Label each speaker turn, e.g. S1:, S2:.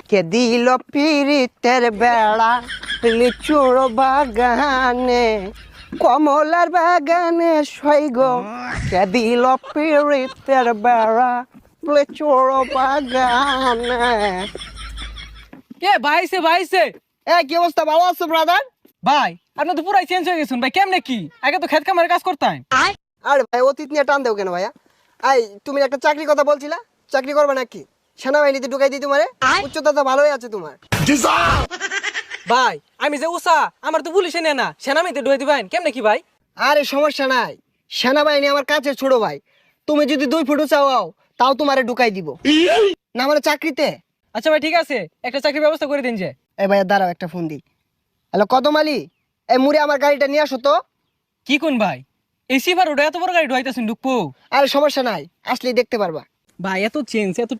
S1: কে দিল পিরিতের বেড়া লিচুর বাগানে কমলার বাগানে সৈগ কে দিল পিরিতের বেড়া লিচুর বাগানে।
S2: কে ভাইছে ভাইছে
S1: কি অবস্থা, ভালো আছো ব্রাদার?
S2: ভাই আপনি তো পুরাই চেঞ্জ হয়ে গেছেন ভাই, কেমনে কি? আগে তো খেত খামারের কাজ করতাম।
S1: আরে ভাই অতীত নিয়ে টান দেও কেন ভাইয়া? তুমি একটা চাকরির কথা বলছিলা, চাকরি করবে নাকি? সেনাবাহিনীতে ঢুকাই দিই তোমারে, উচ্চতা তো ভালোই আছে তোমার।
S2: ভাই আমি যে উষা, আমার তো পুলিশে নেয় না, সেনামিতে ঢুয়ে দিবেন কেমনে কি ভাই?
S1: আরে সমস্যা নাই, সেনাবাহিনী আমার কাছে ছোট ভাই। তুমি যদি 2 ফুট চাও তাও তোমারে ঢুকাই দিব না মানে চাকরিতে।
S2: আচ্ছা ভাই ঠিক আছে, একটা চাকরির ব্যবস্থা করে দিন যে।
S1: এই ভাইয়া দাঁড়াও, একটা ফোন দিই। হ্যালো কদম আলী, এই মুড়ে আমার গাড়িটা নিয়ে আসো তো।
S2: কি কোন ভাই, এই সিফার ওটা এত বড় গাড়ি ঢুয়াইতেছেন ঢুকবো?
S1: আরে সমস্যা নাই, আসলেই দেখতে পারবা।
S2: ভাই এত চেঞ্জ এত